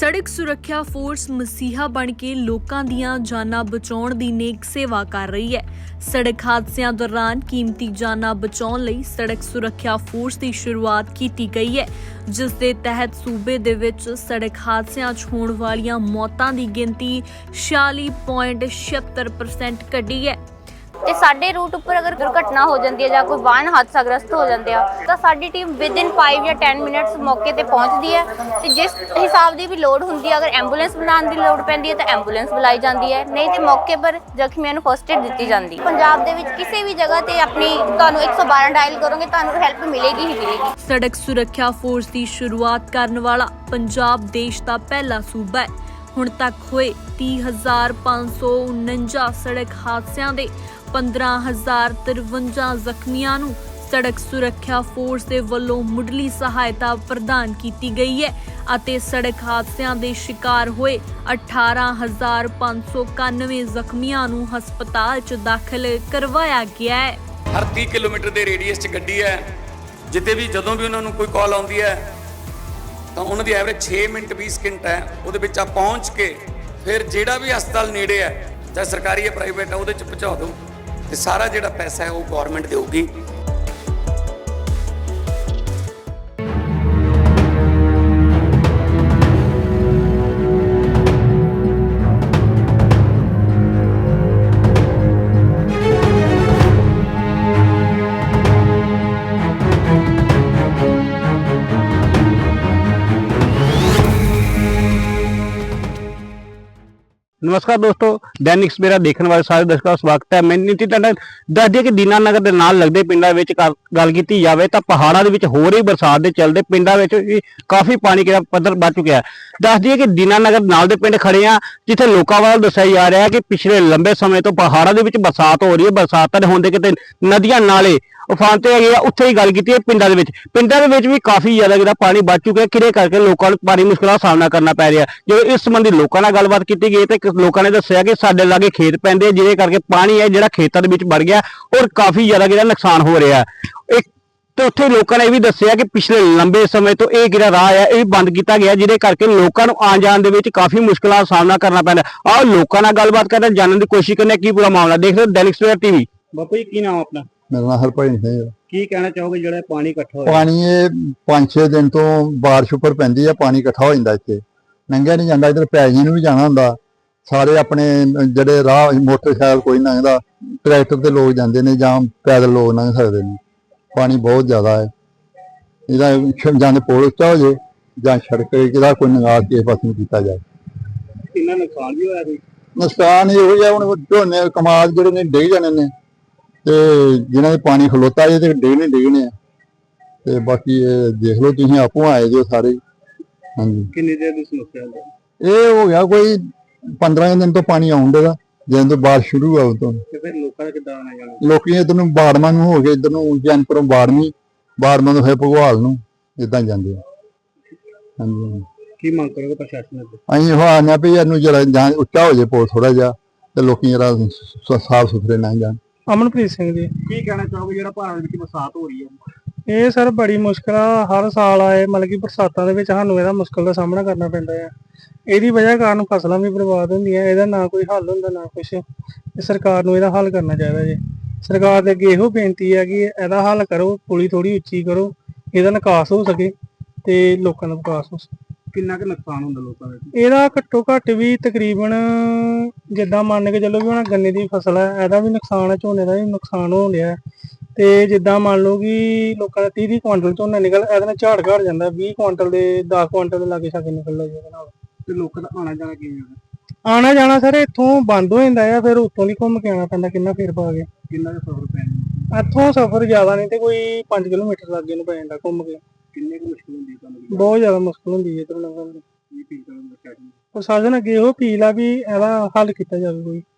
ਸੜਕ ਸੁਰੱਖਿਆ ਫੋਰਸ ਮਸੀਹਾ ਬਣ ਕੇ ਲੋਕਾਂ ਦੀਆਂ ਜਾਨਾਂ ਬਚਾਉਣ ਦੀ ਨੇਕ ਸੇਵਾ ਕਰ ਰਹੀ ਹੈ। ਸੜਕ ਹਾਦਸਿਆਂ ਦੌਰਾਨ ਕੀਮਤੀ ਜਾਨਾਂ ਬਚਾਉਣ ਲਈ ਸੜਕ ਸੁਰੱਖਿਆ ਫੋਰਸ ਦੀ ਸ਼ੁਰੂਆਤ ਕੀਤੀ ਗਈ ਹੈ, ਜਿਸ ਦੇ ਤਹਿਤ ਸੂਬੇ ਦੇ ਵਿੱਚ ਸੜਕ ਹਾਦਸਿਆਂ 'ਚ ਹੋਣ ਵਾਲੀਆਂ ਮੌਤਾਂ ਦੀ ਗਿਣਤੀ 46.76% ਘਟੀ ਹੈ। ਤੇ ਸਾਡੇ ਰੂਟ ਉੱਪਰ ਅਗਰ ਦੁਰਘਟਨਾ ਹੋ ਜਾਂਦੀ ਹੈ ਜਾਂ ਕੋਈ ਵਾਹਨ ਹਾਦਸਾਗ੍ਰਸਤ ਹੋ ਜਾਂਦੇ ਆ ਤਾਂ ਸਾਡੀ ਟੀਮ ਵਿਦਿਨ 5 ਜਾਂ 10 ਮਿੰਟਸ ਮੌਕੇ ਤੇ ਪਹੁੰਚਦੀ ਹੈ ਤੇ ਜਿਸ ਹਿਸਾਬ ਦੀ ਵੀ ਲੋੜ ਹੁੰਦੀ ਹੈ, ਅਗਰ ਐਂਬੂਲੈਂਸ ਬੁਲਾਉਣ ਦੀ ਲੋੜ ਪੈਂਦੀ ਹੈ ਤਾਂ ਐਂਬੂਲੈਂਸ ਬੁਲਾਈ ਜਾਂਦੀ ਹੈ, ਨਹੀਂ ਤੇ ਮੌਕੇ ਪਰ ਜ਼ਖਮੀਆਂ ਨੂੰ ਫਸਟ ਏਡ ਦਿੱਤੀ ਜਾਂਦੀ ਹੈ। ਪੰਜਾਬ ਦੇ ਵਿੱਚ ਕਿਸੇ ਵੀ ਜਗ੍ਹਾ ਤੇ ਆਪਣੀ ਤੁਹਾਨੂੰ 112 ਡਾਇਲ ਕਰੋਗੇ ਤੁਹਾਨੂੰ ਹੈਲਪ ਮਿਲੇਗੀ ਹੀ ਮਿਲੇਗੀ। ਸੜਕ ਸੁਰੱਖਿਆ ਫੋਰਸ ਦੀ ਸ਼ੁਰੂਆਤ ਕਰਨ ਵਾਲਾ ਪੰਜਾਬ ਦੇਸ਼ ਦਾ ਪਹਿਲਾ ਸੂਬਾ ਹੈ। ਹੁਣ ਤੱਕ ਹੋਏ 30,549 ਸੜਕ ਹਾਦਸਿਆਂ ਦੇ 15,053 ਜ਼ਖਮੀਆਂ ਨੂੰ ਸੜਕ ਸੁਰੱਖਿਆ ਫੋਰਸ ਦੇ ਵੱਲੋਂ ਮੁੱਢਲੀ ਸਹਾਇਤਾ ਪ੍ਰਦਾਨ ਕੀਤੀ ਗਈ ਹੈ ਅਤੇ ਸੜਕ ਹਾਦਸਿਆਂ ਦੇ ਸ਼ਿਕਾਰ ਹੋਏ 18,591 ਜ਼ਖਮੀਆਂ ਨੂੰ ਹਸਪਤਾਲ 'ਚ ਦਾਖਲ ਕਰਵਾਇਆ ਗਿਆ ਹੈ। ਹਰ 30 ਕਿਲੋਮੀਟਰ ਦੇ ਰੇਡੀਅਸ 'ਚ ਗੱਡੀ ਹੈ, ਜਿੱਥੇ ਵੀ ਜਦੋਂ ਵੀ ਉਹਨਾਂ ਨੂੰ ਕੋਈ ਕਾਲ ਆਉਂਦੀ ਹੈ ਤਾਂ ਉਹਨਾਂ ਦੀ ਐਵਰੇਜ 6 ਮਿੰਟ 20 ਸਕਿੰਟ ਹੈ। ਉਹਦੇ ਵਿੱਚ ਆ ਪਹੁੰਚ ਕੇ ਫਿਰ ਜਿਹੜਾ ਵੀ ਹਸਪਤਾਲ ਨੇੜੇ ਹੈ, ਚਾਹੇ ਸਰਕਾਰੀ ਹੈ ਪ੍ਰਾਈਵੇਟ ਹੈ, ਉਹਦੇ 'ਚ ਪਹੁੰਚਾ ਦਿਓ ਤੇ ਸਾਰਾ ਜਿਹੜਾ ਪੈਸਾ ਹੈ ਉਹ ਗਵਰਨਮੈਂਟ ਦੇਊਗੀ। नमस्कार दोस्तों, दैनिक सवेरा देखने वाले सारे दर्शकों का स्वागत है। मैं नीति टंडन दस दिए कि दीनानगर के नाल लगते पिंडों में गल की जाए तो पहाड़ों के हो रही बरसात के चलते पिंडों में काफी पानी का पद्धर बढ़ चुका है। दस दिए कि दीनानगर नाल दे पिंड खड़े हैं जिथे लोगों वालों दस्या जा रहा है कि पिछले लंबे समय तो पहाड़ों के बरसात हो रही है। बरसात होंगे कितने नदियां नाले उफानते है, उत्थे ही गल की पिंडों के भी काफी ज्यादा जो पानी बढ़ चुका है, किरे करके लोगों को भारी मुश्किलों का सामना करना पै रहा है। जो इस संबंधी लोगों नाल गलबात की गई तो लोगों ने दस्सिया कि साडे लागे खेत पैंदे जिहदे करके पानी है जिहड़ा खेतां दे विच बढ़ गया और काफी ज्यादा जिहड़ा नुकसान हो रहा है। एक तो उत्थे लोगों ने यह भी दस्सिया कि पिछले लंबे समय तो यह जिहड़ा राह है यह बंद किया गया, जिहदे करके लोगों को आने जाने दे विच काफी मुश्किलों का सामना करना पैंदा। आओ लोगों नाल गलबात करते जानने की कोशिश करने की पूरा मामला देख रहे हो दैनिक सवेरा टीवी। बापू जी की नाम अपना? मेरा नाम हरभाई सिंह है। की कहना चाहोगे जो पानी इकट्ठा हो पानी ये 5-6 दिन तो बारिश उपर पैंदी है, पानी इकट्ठा हो जाता इतने लंघिया नहीं जाता। इधर पैजी भी जाना होंगे, सारे अपने जड़े राह मोटरसाइकिल कोई लंघदा, ट्रैक्टर से लोग जाते हैं जां पैदल लोग लंघ सकते हैं। पानी बहुत ज्यादा है, इहदा जां पुल उच्चा हो जाए जां सड़क इहदा कोई निकास किस पासे किया जाए। कितना नुकसान भी होया? नुकसान ये है हुण झोने कमाल जिहड़े ने डिग जाने ने ते जिन्होंने पानी खलोता है तो डिगने डिगने ते बाकी देख लो तुसीं आपूं आए जो सारे। हाँ जी, कितनी देर की समस्या है? ये हो गया कोई 15 दिन तो पानी आउंडे दा, जिस तो बारिश शुरू हुआ तो लोग इधर नूं बाड़मा नूं हो गए, इधर नूं जैनपुरों बाड़मी, बाड़मा तो फिर भगवाल नूं इदां जांदे। हाँ जी, की मांग करोगे प्रशासन से? असीं हो आने भी इहनूं जरा जां उच्चा हो जाए पुल थोड़ा जिहा ते लोकी जरा साफ सुथरे लंघ जाण। अमनप्रीत सिंह जी, की कहना चाहोगे जो पहाड़ों में बरसात हो रही है? ये सर बड़ी मुश्किल हर साल आए मतलब कि बरसातों के सानू ਇਹਦਾ मुश्किल का सामना करना पैंदा है। ਇਹਦੀ वजह कारण फसलां भी बर्बाद होंदियां, ਇਹਦਾ ना कोई हल ਹੁੰਦਾ ना कुछ। सरकार ਨੂੰ ਇਹਦਾ हल करना चाहिए जी। सरकार ਦੇ ਅੱਗੇ ਇਹੋ ਬੇਨਤੀ ਹੈ ਕਿ ਇਹਦਾ हल करो, पुली थोड़ी ਉੱਚੀ करो, ਇਹਦਾ ਨਿਕਾਸ ਹੋ ਸਕੇ ਤੇ ਲੋਕਾਂ ਦਾ ਵਿਕਾਸ ਹੋ ਸਕੇ। ਕਿੰਨਾ ਕੁ ਨੁਕਸਾਨ ਹੁੰਦਾ ਲੋਕਾਂ ਦਾ? ਇਹਦਾ ਘੱਟੋ ਘੱਟ ਵੀ ਤਕਰੀਬਨ ਜਿੱਦਾਂ ਮੰਨ ਕੇ ਚੱਲੋ ਵੀ ਹੁਣ ਗੰਨੇ ਦੀ ਫਸਲ ਹੈ, ਇਹਦਾ ਵੀ ਨੁਕਸਾਨ ਹੈ, ਝੋਨੇ ਦਾ ਵੀ ਨੁਕਸਾਨ ਹੋ ਰਿਹਾ ਤੇ ਜਿੱਦਾਂ ਮੰਨ ਲਓ ਕਿ ਲੋਕਾਂ ਦਾ 30 ਕੁਆਂਟਲ ਝੋਨਾ ਨਿਕਲ, ਇਹਦੇ ਨਾਲ ਝਾੜ ਘਟ ਜਾਂਦਾ 20 ਕੁਆਂਟਲ ਦੇ 10 ਕੁਆਂਟਲ ਦੇ ਲਾਗੇ ਛਾਗੇ ਨਿਕਲਦਾ ਜੀ ਇਹਦੇ ਨਾਲ। ਤੇ ਲੋਕਾਂ ਦਾ ਆਣਾ ਜਾਣਾ ਕਿਵੇਂ? ਆਣਾ ਜਾਣਾ ਸਰ ਇੱਥੋਂ ਬੰਦ ਹੋ ਜਾਂਦਾ ਆ, ਫਿਰ ਉੱਤੋਂ ਦੀ ਘੁੰਮ ਕੇ ਆਉਣਾ ਪੈਂਦਾ ਕਿੰਨਾ ਫੇਰ ਪਾ ਕੇ। ਕਿੰਨਾ ਸਫ਼ਰ ਪੈਂਦਾ ਇੱਥੋਂ ਸਫ਼ਰ ਜ਼ਿਆਦਾ ਨਹੀਂ ਤੇ ਕੋਈ 5 ਕਿਲੋਮੀਟਰ ਲਾਗੇ ਨੂੰ ਪੈ ਜਾਂਦਾ ਘੁੰਮ ਕੇ। ਕਿੰਨੇ ਕੁ ਮੁਸ਼ਕਿਲ ਹੁੰਦੀ ਤੁਹਾਨੂੰ? ਬਹੁਤ ਜ਼ਿਆਦਾ ਮੁਸ਼ਕਿਲ ਹੁੰਦੀ ਹੈ ਇੱਧਰੋਂ ਲੰਘਣ ਦੀ। ਪ੍ਰਸ਼ਾਸਨ ਅੱਗੇ ਇਹੋ ਅਪੀਲ ਆ ਵੀ ਇਹਦਾ ਹੱਲ ਕੀਤਾ ਜਾਵੇ ਕੋਈ।